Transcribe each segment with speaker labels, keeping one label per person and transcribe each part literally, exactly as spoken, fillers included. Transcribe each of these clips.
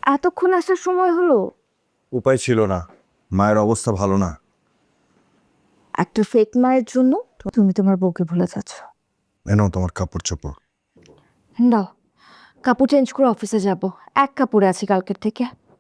Speaker 1: এতক্ষণ আসার সময় হলো?
Speaker 2: উপায় ছিল না, মায়ের অবস্থা ভালো না।
Speaker 1: একটা ফেক মায়ের জন্য তুমি তোমার বউকে ভুলে যাচ্ছ।
Speaker 2: এনাও তোমার কাপড় চোপড়।
Speaker 1: দাও, কাপড় চেঞ্জ করে অফিসে যাব। এক কাপড়ে আছি কালকের থেকে।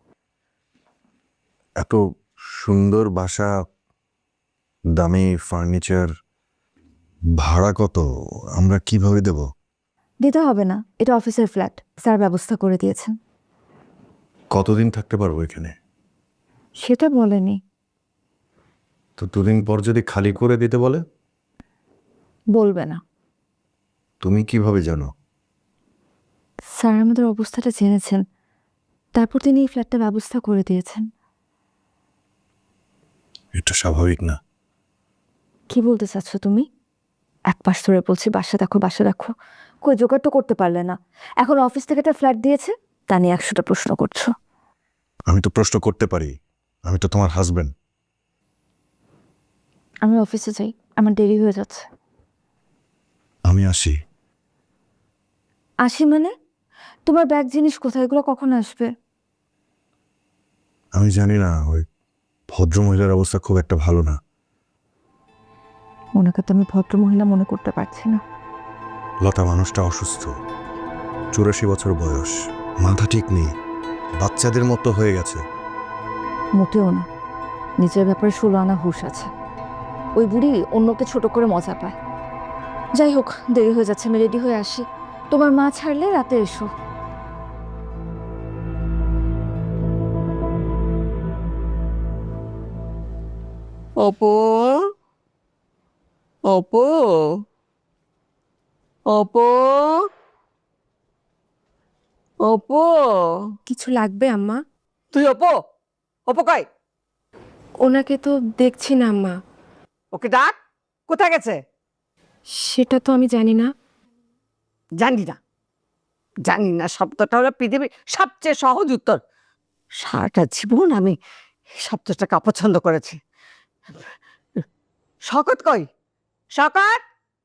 Speaker 2: এত সুন্দর বাসা, দামি ফার্নিচার, ভাড়া কত? আমরা কিভাবে দেব?
Speaker 1: দিতে হবে না, এটা অফিসের ফ্ল্যাট, স্যার ব্যবস্থা করে দিয়েছেন।
Speaker 2: কতদিন থাকতে পারবো এখানে?
Speaker 1: সেটা বলেনি।
Speaker 2: তো দুদিন পর যদি খালি করে দিতে বলে?
Speaker 1: বলবে না।
Speaker 2: তুমি কিভাবে জানো?
Speaker 1: স্যার আমাদের অবস্থাটা জেনেছেন, তারপর তিনি এই ফ্ল্যাটটা ব্যবস্থা করে দিয়েছেন।
Speaker 2: এটা স্বাভাবিক না।
Speaker 1: কি বলতে চাচ্ছ তুমি? এক পাশ ধরে বলছি বাসা দেখো বাসা দেখো, কই জোগাড় তো করতে পারলে না। এখন অফিস থেকে একটা ফ্ল্যাট দিয়েছে, তা নিয়ে একশোটা প্রশ্ন করছো।
Speaker 2: আমি তো প্রশ্ন করতে পারি, আমি তো তোমার হাজবেন্ড।
Speaker 1: আমি অফিসে যাই, আমার দেরি হয়ে যাচ্ছে।
Speaker 2: আমি আসি।
Speaker 1: আসি মানে? তোমার ব্যাগ জিনিস কোথায়, এগুলো কখন আসবে?
Speaker 2: আমি জানি না, ওই ভদ্র মহিলার অবস্থা খুব একটা ভালো না।
Speaker 1: ওনাকে তো আমি ভদ্র মহিলা মনে করতে পারছি না।
Speaker 2: লতা মানুষটা অসুস্থ, চুরাশি বছর বয়স, মাথা ঠিক নেই, বাচ্চাদের মতো হয়ে গেছে।
Speaker 1: মোটেও না, নিজের ব্যাপারে ষোলো আনা হুঁশ আছে। ওই বুড়ি অন্যকে ছোট করে মজা পায়। যাই হোক, দেরি হয়ে যাচ্ছে, আমি রেডি হয়ে আসি। তোমার মা ছাড়লে রাতে এসো।
Speaker 3: অপু, অপু, অপু, অপু।
Speaker 4: কিছু লাগবে আম্মা?
Speaker 3: তুই অপু? অপু কই?
Speaker 4: ওনাকে তো দেখছি না আম্মা।
Speaker 3: ওকে ডাক, কোথায় গেছে?
Speaker 4: সেটা তো আমি জানি না।
Speaker 3: জানি না, জানি না শব্দটা হলো পৃথিবীর সবচেয়ে সহজ উত্তর। সারাটা জীবন আমি এই শব্দটাকে অপছন্দ করেছি। শকত কই? শকত,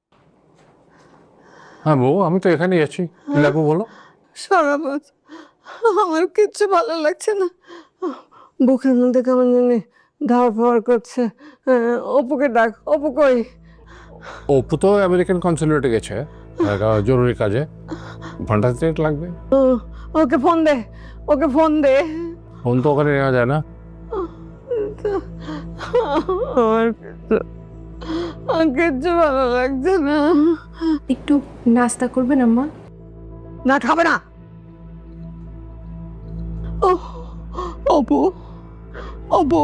Speaker 5: হ্যাঁ বউ, আমি তো এখানেই আছি। কি লাগবে বলো।
Speaker 3: সরাবাজ, আমার কিচ্ছু ভালো লাগছে না। বুকের মধ্যে কেমন জানি ধার ফার করছে। আহ, অপুকে ডাক, অপু কই?
Speaker 5: অপু তো আমেরিকান কনসুলেটে গেছে একটা জরুরি কাজে। ঘন্টা তিনেক লাগবে।
Speaker 3: ও, ওকে ফোন দে, ওকে ফোন দে।
Speaker 5: ফোন তো ওখানে নেওয়া যায় না।
Speaker 3: আমার কিচ্ছু আমার কিচ্ছু ভালো লাগছে না।
Speaker 4: একটু নাস্তা করবেন আম্মা?
Speaker 3: না, খাবে না। ও, অপু, অপু।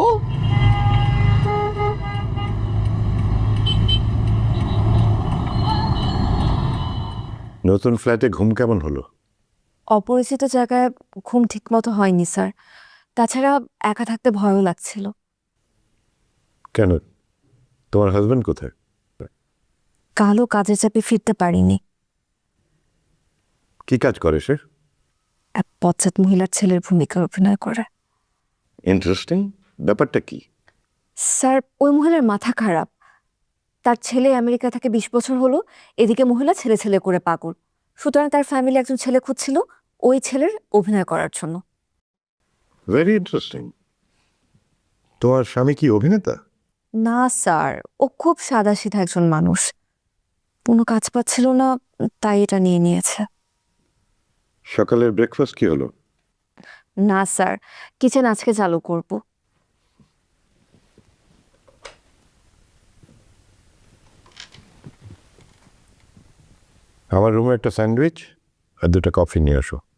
Speaker 2: নতুন ফ্ল্যাটে ঘুম কেমন হলো?
Speaker 1: অপরিচিত জায়গায় ঘুম ঠিক মতো হয়নি স্যার। তাছাড়া একা থাকতে ভয়ও লাগছিল।
Speaker 2: কেন, তোমার হাজবেন্ড কোথায়?
Speaker 1: কালও কাজের চাপে ফিরতে পারিনি।
Speaker 2: কি কাজ করে সে?
Speaker 1: এক পশ্চাৎ মহিলার ছেলের ভূমিকা অভিনয় করে।
Speaker 2: ইন্টারেস্টিং, ব্যাপারটা কি?
Speaker 1: স্যার, ওই মহিলার মাথা খারাপ। তার ছেলে আমেরিকা থেকে বিশ বছর হলো, এদিকে মহিলা ছেলে ছেলে করে পাগল। সুতরাং তার ফ্যামিলি একজন ছেলে খুঁজছিল ওই ছেলের অভিনয় করার জন্য।
Speaker 2: Very interesting. তোমার স্বামী কি অভিনেতা?
Speaker 1: না স্যার, ও খুব সাদাসিধা একজন মানুষ। কোনো কাজ পাচ্ছিল না, তাই এটা নিয়ে নিয়েছে।
Speaker 2: সকালের ব্রেকফাস্ট কি হলো?
Speaker 1: না স্যার, কিচেন আজকে চালু করব।
Speaker 2: আমার রুমে একটা স্যান্ডউইচ আর দুটো কফি নিয়ে আসো।